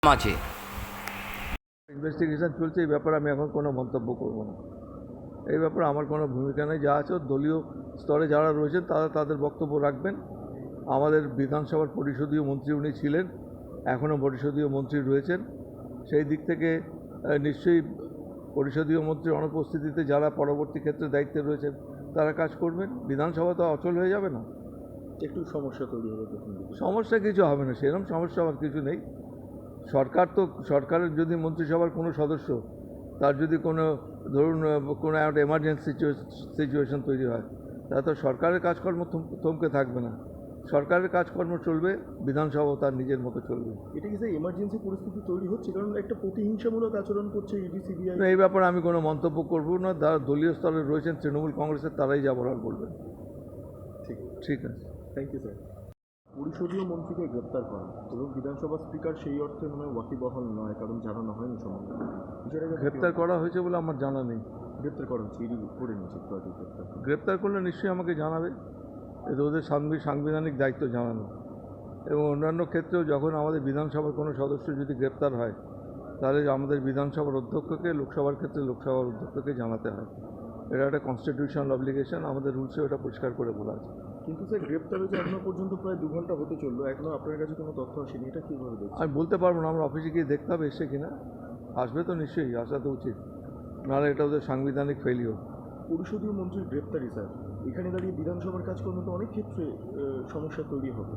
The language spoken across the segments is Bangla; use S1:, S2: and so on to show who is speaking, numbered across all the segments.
S1: আছে।
S2: ইনভেস্টিগেশন চলছে, এই ব্যাপারে আমি এখন কোনো মন্তব্য করব না। এই ব্যাপারে আমার কোনো ভূমিকা নেই। যা আছে দলীয় স্তরে যারা রয়েছেন তারা তাদের বক্তব্য রাখবেন। আমাদের বিধানসভার পরিষদীয় মন্ত্রী উনি ছিলেন, এখনও পরিষদীয় মন্ত্রী রয়েছেন। সেই দিক থেকে নিশ্চয়ই পরিষদীয় মন্ত্রীর অনুপস্থিতিতে যারা পরবর্তী ক্ষেত্রে দায়িত্বে রয়েছেন তারা কাজ করবেন। বিধানসভা তো অচল হয়ে যাবে না।
S3: একটু সমস্যা তৈরি হবে।
S2: সমস্যা কিছু হবে না, সেরকম সমস্যা আমার কিছু নেই। সরকারের যদি মন্ত্রিসভার কোনো সদস্য তার যদি কোনো ধরুন কোনো একটা এমার্জেন্সি সিচুয়েশন তৈরি হয়, তাহলে তো সরকারের কাজকর্ম থমকে থাকবে না। সরকারের কাজকর্ম চলবে, বিধানসভাও তার নিজের মতো চলবে।
S3: এটা কি স্যার এমার্জেন্সি পরিস্থিতি তৈরি হচ্ছে? কারণ একটা প্রতিহিংসামূলক আচরণ করছে ইডি সিবিআই।
S2: এই ব্যাপারে আমি কোনো মন্তব্য করব না। যারা দলীয় স্তরে রয়েছেন তৃণমূল কংগ্রেসের তারাই যা বলার বলবেন। ঠিক আছে,
S3: থ্যাংক ইউ স্যার। পরিষদীয় মন্ত্রীকে গ্রেপ্তার করা এবং বিধানসভা স্পিকার সেই অর্থে মনে হয় ওয়াকিবহাল নয়, কারণ জানানো হয়নি সম্বন্ধে।
S2: গ্রেপ্তার করা হয়েছে বলে আমার জানা নেই।
S3: গ্রেপ্তার করা হচ্ছে, ইডি করে নিয়েছে একটু আগে
S2: গ্রেপ্তার করলে নিশ্চয়ই আমাকে জানাবে। এটা ওদের সাংবিধানিক দায়িত্ব জানানো। এবং অন্যান্য ক্ষেত্রেও যখন আমাদের বিধানসভার কোনো সদস্য যদি গ্রেপ্তার হয়, তাহলে আমাদের বিধানসভার অধ্যক্ষকে, লোকসভার ক্ষেত্রে লোকসভার অধ্যক্ষকে জানাতে হয়। এটা একটা কনস্টিটিউশনাল অব্লিগেশন, আমাদের রুলসে ওটা পরিষ্কার করে বলা আছে।
S3: কিন্তু স্যার গ্রেপ্তার হয়েছে এখনো পর্যন্ত প্রায় 2 ঘন্টা হতে চললো, এখনও আপনার কাছে কোনো তথ্য আসেনি, এটা কীভাবে দেখছেন?
S2: আমি বলতে পারবো না, আমার অফিসে গিয়ে দেখতে হবে এসে কিনা। আসবে তো নিশ্চয়ই, আসা তো উচিত, নাহলে এটা ওদের সাংবিধানিক ফেলিওর।
S3: পরিষদীয় মন্ত্রীর গ্রেপ্তারি স্যার, এখানে দাঁড়িয়ে বিধানসভার কাজকর্ম তো অনেক ক্ষেত্রে সমস্যা তৈরি হবে।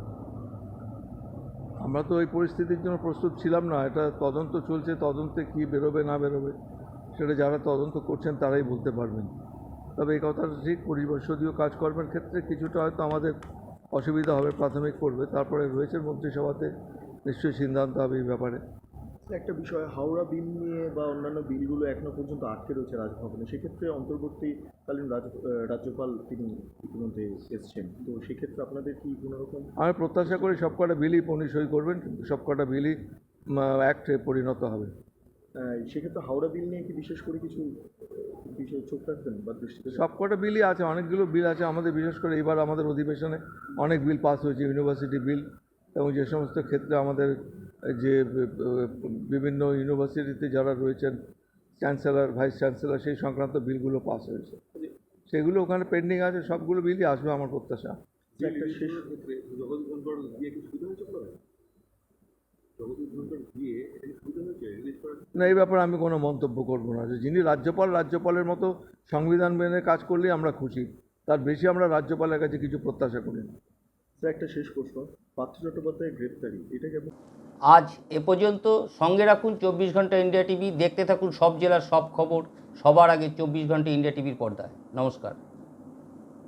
S2: আমরা তো ওই পরিস্থিতির জন্য প্রস্তুত ছিলাম না। এটা তদন্ত চলছে, তদন্তে কী বেরোবে না বেরোবে সেটা যারা তদন্ত করছেন তারাই বলতে পারবেন। তবে এই কথাটা ঠিক, পরিষদীয় কাজকর্মের ক্ষেত্রে কিছুটা হয়তো আমাদের অসুবিধা হবে, প্রাথমিক পড়বে, তারপরে রয়েছে মন্ত্রিসভাতে নিশ্চয়ই সিদ্ধান্ত হবে এই ব্যাপারে।
S3: একটা বিষয়, হাওড়া বিল নিয়ে বা অন্যান্য বিলগুলো এখনো পর্যন্ত আটকে রয়েছে রাজভবনে। সেক্ষেত্রে অন্তর্বর্তীকালীন রাজ্যপাল তিনি ইতিমধ্যে এসছেন, তো সেক্ষেত্রে আপনাদের কি কোনো রকম?
S2: আমি প্রত্যাশা করি সবকটা বিলই উনি সই করবেন, সবকটা বিলই অ্যাক্টে পরিণত হবে।
S3: সেক্ষেত্রে হাওড়া বিল নিয়ে কি বিশেষ করে কিছু বিষয়ে চোখ রাখবেন বা দৃষ্টিতে?
S2: সবকটা বিলই আছে, অনেকগুলো বিল আছে আমাদের, বিশেষ করে এবার আমাদের অধিবেশনে অনেক বিল পাস হয়েছে, ইউনিভার্সিটি বিল, এবং যে সমস্ত ক্ষেত্রে আমাদের যে বিভিন্ন ইউনিভার্সিটিতে যারা রয়েছেন চ্যান্সেলর, ভাইস চ্যান্সেলর, সেই সংক্রান্ত বিলগুলো পাস হয়েছে, সেগুলো ওখানে পেন্ডিং আছে। সবগুলো বিলই আসবে আমার প্রত্যাশা।
S3: একটা শেষ
S2: না, এই ব্যাপারে আমি কোনো মন্তব্য করব না। যে যিনি রাজ্যপালের মতো সংবিধান মেনে কাজ করলেই আমরা খুশি, তার বেশি আমরা রাজ্যপালের কাছে কিছু প্রত্যাশা করি না।
S3: স্যার একটা শেষ প্রশ্ন, পার্থ চট্টোপাধ্যায়ের গ্রেপ্তারি, এটা কেমন?
S1: আজ এ পর্যন্ত। সঙ্গে রাখুন 24 ঘন্টা ইন্ডিয়া টিভি। দেখতে থাকুন সব জেলার সব খবর সবার আগে 24 ঘন্টা ইন্ডিয়া টিভির পর্দায়। নমস্কার।